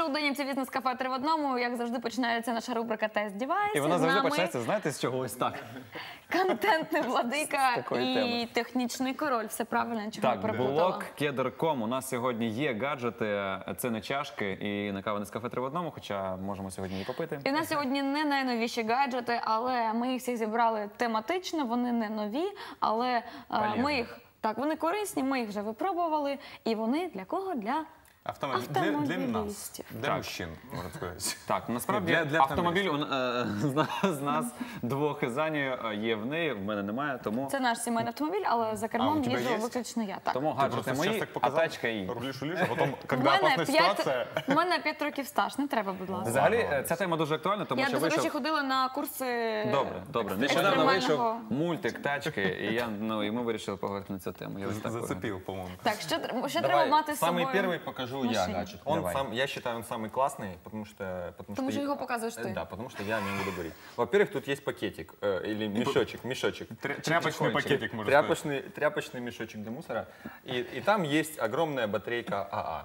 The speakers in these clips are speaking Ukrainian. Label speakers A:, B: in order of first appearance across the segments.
A: шоу «Денімці Бізнес-кафе 3 в одному». Як завжди, починається наша рубрика «Тест Девайс».
B: І вона завжди починається, знаєте, з чого? Ось так.
A: Контентний владика
B: такої
A: і
B: теми.
A: технічний король. Все правильно, чого не
B: Так,
A: переплутала.
B: блог Keder.com. У нас сьогодні є гаджети, це не чашки і не кава Нескафе 3 в одному, хоча можемо сьогодні її попити.
A: І в нас сьогодні не найновіші гаджети, але ми їх всіх зібрали тематично, вони не нові, але ми їх, так, вони корисні, ми їх вже випробували, і вони для кого? Для автомобілістів.
C: Для мужчин, можна сказати.
B: Так, насправді
C: Для
B: автомобіль з нас двох із Анею є в неї, в мене немає, тому...
A: Це наш сімейний автомобіль, але за кермом їжджу виключно я. Так.
B: Тому гаджети мої, а тачка її.
C: Рулиш, а потім, коли опасна ситуація...
A: У мене 5 років стаж, не треба, будь ласка.
B: Взагалі, ця тема дуже актуальна, тому що
A: Я, до речі,
B: вийшов...
A: ходила на курси
B: Добре. Нещодавно вийшов
A: екстремального...
B: мультик «Тачки», і ми вирішили поговорити на цю тему.
C: Зацепив, по-моему.
A: Так, що треба мати з собою?
D: Самый первый покажу я
A: машине?
D: гаджет.
B: Давай.
D: Я считаю, он самый классный, потому что
A: Потому что его показываешь ты.
D: Да, потому что я о нем буду говорить. Во-первых, тут есть пакетик, или мешочек.
C: Тряпочный пакетик, можно сказать.
D: Тряпочный мешочек для мусора. И там есть огромная батарейка АА.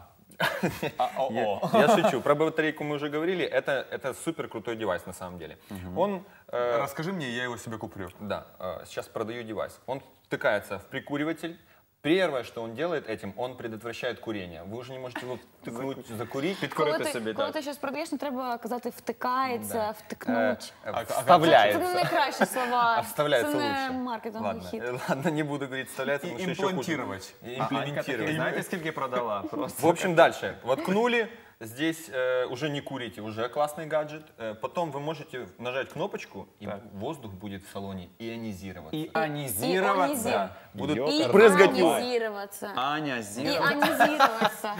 D: Я шучу. Про батарейку мы уже говорили. Это супер крутой девайс на самом деле. Он...
C: Расскажи мне, я его себе куплю.
D: Да, сейчас продаю девайс. Он втыкается в прикуриватель. Первое, что он делает этим, он предотвращает курение. Вы уже не можете его втыкнуть, закурить.
A: Коли ти щось продаєш, не треба казати «втикається», «втикнуть».
D: Вставляется.
A: Це не найкращі слова.
D: А вставляется
A: Це
D: лучше.
A: не маркетинговий хід.
D: Ладно, не буду говорить вставляется, потому что еще хуже.
C: Имплантировать.
D: Имплементировать.
B: Знаєте, скільки продала? Просто.
D: В общем, дальше. Воткнули. Здесь уже не курите, уже классный гаджет. Потом вы можете нажать кнопочку, и воздух будет в салоне ионизироваться.
B: Ионизироваться.
D: Будут
A: І
D: брызгать его.
A: анізіруватися.
B: Аня,
A: І
B: зіра.
A: анізіруватися.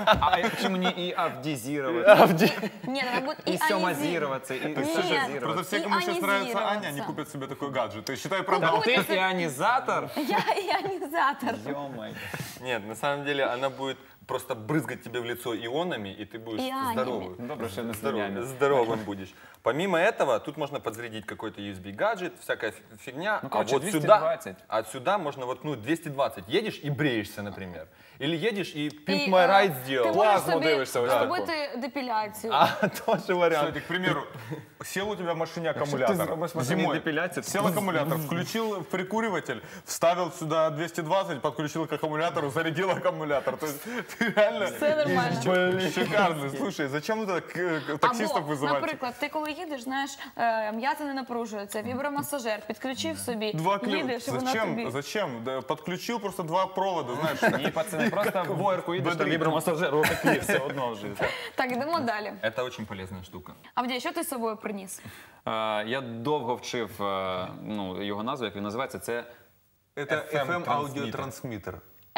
B: А чому не і авдізірувати?
A: Ні, треба буде і
B: І сьомазіруватися, і
C: Просто
B: сюжазірувати.
C: все, кому сейчас нравится Аня, они
A: ионизироваться.
C: купят себе такой гаджет. И считай, продал.
B: Ти іонізатор?
A: Я іонізатор.
B: Йо-май.
D: Нет, на самом деле она будет просто брызгать тебе в лицо ионами, и ты будешь
A: Ионами.
D: здоровый.
B: Добре, що не слюнями.
D: Здоровым будешь. Помимо этого, тут можно подзарядить какой-то USB-гаджет, всякая фигня.
B: Ну,
D: А
B: короче,
D: вот
B: 220.
D: сюда, отсюда можно воткнуть 220. Едешь и бреешься, например. Или едешь и Pimp
A: І,
D: My Ride
A: Ти
D: сделал.
A: можеш
D: Плазму
A: собі
D: дивишься. ось таку.
A: зробити депіляцію.
D: А, тоже вариант.
C: Кстати, к примеру, сел у тебя в машине
B: ты
C: аккумулятор.
B: сделаешь в машине
C: Зимой
B: депиляцию,
C: сел аккумулятор, включил прикуриватель, вставил сюда 220, подключил к аккумулятору, зарядил аккумулятор. То есть ты реально...
A: Все нормально.
C: Блин, шикарно. Слушай, зачем это таксистов
A: Або,
C: вызывать?
A: наприклад, ти коли їдеш, знаєш, м'язи не напружуються, вібромасажер, підключив собі,
C: Два
A: їдеш, і вона тобі...
C: Зачем? Да, подключил просто два провода, знаешь.
B: Ні, пацани, просто в боярку їдеш, там вібромасажер, отакі, все одно вже.
A: Так, йдемо далі.
D: Это очень полезная штука.
A: Авдій, що ти з собою приніс?
B: Я довго вчив його назву, як він називається, це...
C: Это
D: FM
C: FM-аудиотрансмиттер.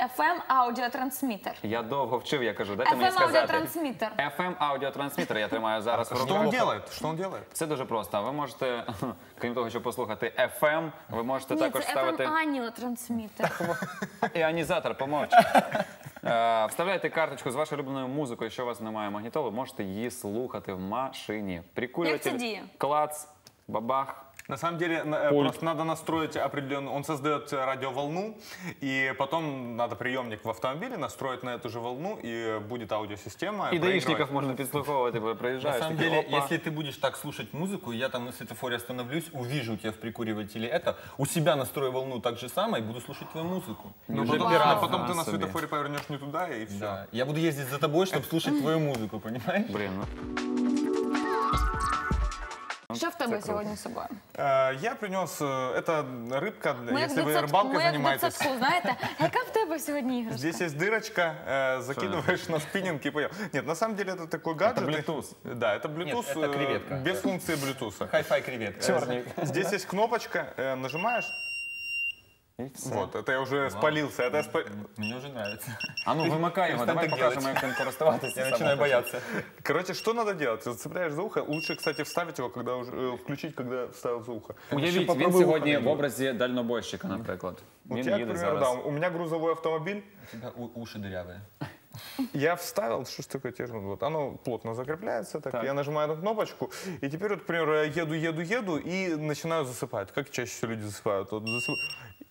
A: FM-аудіотрансмітер.
B: Я довго вчив, я кажу, дайте мені сказати.
A: FM-аудіотрансмітер.
B: FM-аудіотрансмітер я тримаю зараз в
C: Что
B: руках.
C: он делает? Что он делает?
B: Це дуже просто. Ви можете, крім того, щоб послухати FM, ви можете
A: Ні,
B: також
A: це
B: ставити
A: FM-аніотрансмітер.
B: іонізатор, помовч. Вставляйте карточку з вашою улюбленою музикою, якщо у вас немає магнітоли, можете її слухати в машині.
A: Як це
B: Прикурюватель,
A: діє?
B: клац, бабах.
C: На самом деле, просто надо настроить определенную... Он создает радиоволну, и потом надо приемник в автомобиле настроить на эту же волну, и будет аудиосистема.
B: І даїшників можна підслуховувати,
D: На
B: приїжджаєш.
D: самом
B: такий,
D: деле,
B: опа.
D: если ты будешь так слушать музыку, я там на светофоре остановлюсь, увижу у тебя в прикуривателе это, у себя настрою волну так же самое и буду слушать твою музыку.
C: Ну,
B: Уже
C: потом,
B: пиратство
C: потом ты на
B: себе.
C: светофоре повернешь не туда, и все.
D: Да. Я буду ездить за тобой, чтобы слушать твою музыку, понимаешь?
B: Блін, ну.
A: Що в тебе сьогодні з собою?
C: Я принес... Это рыбка,
A: Ми як
C: если вы
A: в
C: рыбалкой занимаетесь.
A: дитсадку, знаєте? Яка в тебе сьогодні іграшка?
C: Здесь есть дырочка, закидываешь на спиннинг и поел. Нет, на самом деле это такой гаджет.
B: Bluetooth.
C: Да, это Bluetooth,
D: Нет, это креветка.
C: без функции Bluetooth.
D: Хай-фай креветка.
B: Черный.
C: Здесь есть кнопочка, нажимаешь. Вот, это я уже спалился. Это я
D: Мне уже нравится.
B: А ну вимикай його, давай
D: так
B: покажемо,
D: делать.
B: як ним користуватися.
D: Я начинаю бояться.
C: Короче, что надо делать? Ты зацепляешь за ухо. Лучше, кстати, вставить его, когда уже включить, когда вставил за ухо.
B: Уявіть, він
D: попробуй
B: сьогодні
D: виходити.
B: в образі дальнобойщика, наприклад.
C: У
B: Він
C: тебя, к
B: їде
C: примеру, да,
B: зараз.
C: у меня грузовой автомобиль.
D: У тебя уши дырявые.
C: Я вставил, что ж такое тяжело, вот оно плотно закрепляется, так. Я нажимаю на кнопочку, и теперь, вот, к примеру, я еду и начинаю засыпать. Как чаще всего люди засыпают? Вот,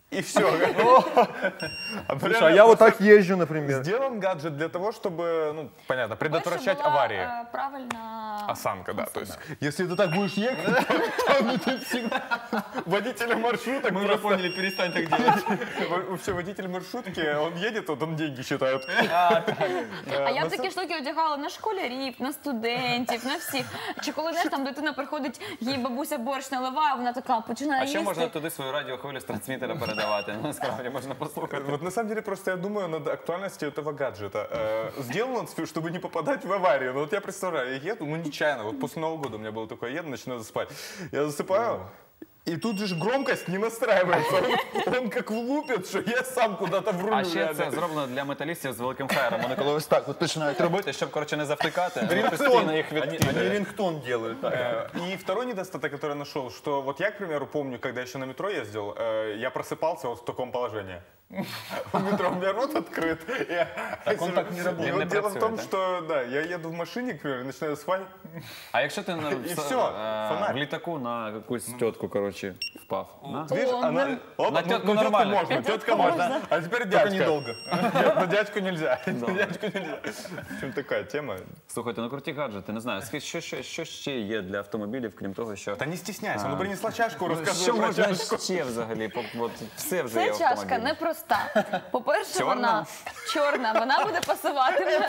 C: И все.
D: Слушай, а я вот так езжу, например.
C: Сделан гаджет для того, чтобы, ну, понятно, предотвращать аварии.
A: Правильно.
C: Осанка, да. То есть, если ты так будешь ехать, то ты всегда... Водителя маршруток...
D: Мы уже поняли, перестань так делать.
C: Вообще, водитель маршрутки, он едет, вот он деньги считает.
A: А я б такі штуки одягала на школярів, на студентів, на всіх. Чи коли, знаєш, там дитина приходить, їй бабуся борщ наливає, вона така починає
B: А
A: їсти.
B: ще можна туди свою радіохвилю з трансмітера передавати. Насправді можна послухати.
C: Вот на самом деле просто я думаю над актуальностью этого гаджета. Сделан он, чтобы не попадать в аварию. Ну вот я представляю, я еду, ну нечаянно, вот после Нового года у меня было такое, еду, начинаю засыпать. Я засыпаю, и тут же громкость не настраивается. Он как влупит, що я сам куда-то врулю.
B: А ще це зроблено для металістів з великим хайром. Вони коли ось так от починають робити, щоб, коротше, не завтикати, вони постійно їх
D: Они
B: відкидають.
D: рингтон делают.
C: И второй недостаток, который я нашел, что вот я, к примеру, помню, когда еще на метро ездил, я просыпался вот в таком положении. В метро у меня рот открыт.
D: Так он так не работает.
C: И вот
B: Не
C: дело в
B: працює,
C: том,
B: да?
C: что да, я еду в машине, к примеру, начинаю спать.
B: А якщо ти
C: І все, фонарь.
B: в літаку на якусь тітку, коротше, впав? да?
C: Видишь,
A: О,
C: она... Оп,
B: на тетку нормально.
C: можно, тетка можно. А теперь дядька. недолго. Нет, на дядьку нельзя. На дядьку нельзя. В общем, такая тема.
B: Слухайте, ну круті гаджети, не знаю, що ще є для автомобілів, крім того, що...
C: Да не стесняйся, ну принесла чашку,
B: Що
C: рассказывай про
B: можна
C: чашку.
B: ще взагалі? От все вже є
A: Це
B: в
A: чашка
B: автомобілі.
A: непроста. По-перше,
B: Чорна?
A: вона чорна, вона буде пасувати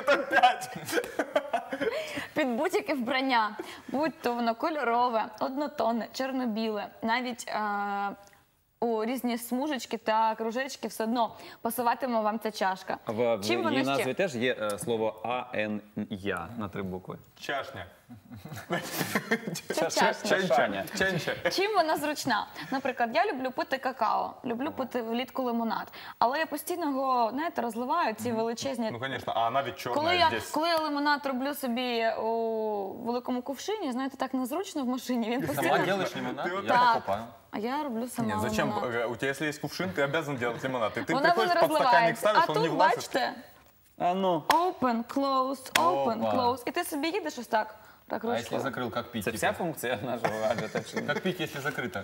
A: під будь-яке вбрання. Будь-то воно кольорове, однотонне, чорно-біле, навіть у різні смужечки та кружечки все одно пасуватиме вам ця чашка.
B: В
A: Чим вона
B: її
A: ще?
B: назві теж є слово АНЯ на 3 букви.
C: Чашня.
A: Це чашка.
B: Чашаня.
C: Ченча.
A: Чим вона зручна? Наприклад, я люблю пити какао, люблю пити влітку лимонад, але я постійно його, знаєте, розливаю, ці величезні...
C: Ну, конечно, а она ведь
A: Коли
C: черная
A: я,
C: здесь.
A: коли я лимонад роблю собі у великому кувшині, знаєте, так незручно в машині, він
D: Сама
A: постійно...
D: делаешь лимонад? Я
A: Так.
D: покупаю.
A: А я роблю сама
C: Нет, зачем?
A: лимонад.
C: У тебя, если есть кувшин, ты обязан делать лимонад. И ты
A: Вона
C: приходишь,
A: мене
C: подстаканник
A: розливається.
C: ставишь,
A: А
C: он не
A: тут,
C: влазит.
A: бачите,
B: А ну.
A: open, close, open,
D: Опа.
A: close. І ти собі їдеш ось так, так
D: А если
A: ручкою.
D: закрыл, как пить?
B: Це вся функція нашого гаджета? чи ні?
D: Как пить, если закрыто?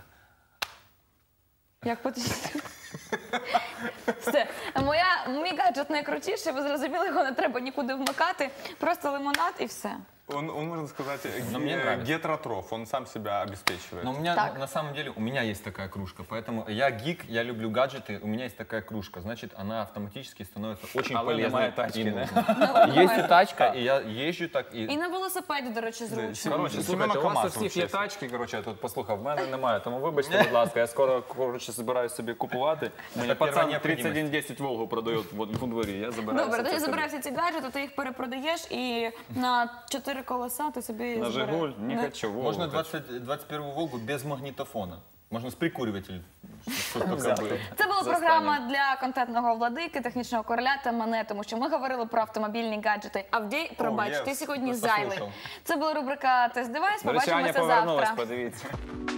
A: Як потім... Все. Мій гаджет найкрутіший, ви зрозуміли, його не треба нікуди вмикати. Просто лимонад і все.
C: Он, можно сказать,
D: Но мне нравится.
C: гетеротроф, он сам себя обеспечивает.
D: Но у меня,
A: Так.
D: на самом деле, у меня есть такая кружка, поэтому я гик, я люблю гаджеты, у меня есть такая кружка, значит, она автоматически становится очень
B: Але
D: полезной.
B: немає тачки,
D: и
B: да?
D: нужной. Есть и тачка, и я езжу так,
A: І
D: и...
A: на велосипеді, до речі, зручно.
B: Коротше,
C: Семена
B: слухайте, у вас у
C: Камаза
B: всіх є
C: вообще.
B: тачки, коротше, я тут послухав, в мене немає, тому вибачте, будь ласка, я скоро, коротше, збираюсь собі купувати. Мені
D: перша
B: пацан
D: необхідність.
B: 3110 Волгу продають в дворі, я забираю.
A: Добре,
B: все
A: тоді
B: це собі.
A: забирай всі ці гаджети, ти їх перепродаєш і на 4 колеса ти собі
B: На
A: збереш.
B: Жигуль, не хочу, Волгу.
D: Можно
B: хочу.
D: 21 Волгу без магнитофона. Можно с прикуривателем. Что только
B: Взяти.
D: было.
A: Це була
B: За
A: програма
B: останнім.
A: для контентного владики, технічного короля та мене, тому що ми говорили про автомобільні гаджети. Авдій, пробач,
C: yes.
A: ти сьогодні
D: Просто
A: зайвий.
D: слухав.
A: Це була рубрика «Тест-девайс».
B: До речі, Аня
A: Побачимося
B: повернулась,
A: завтра.
B: подивіться.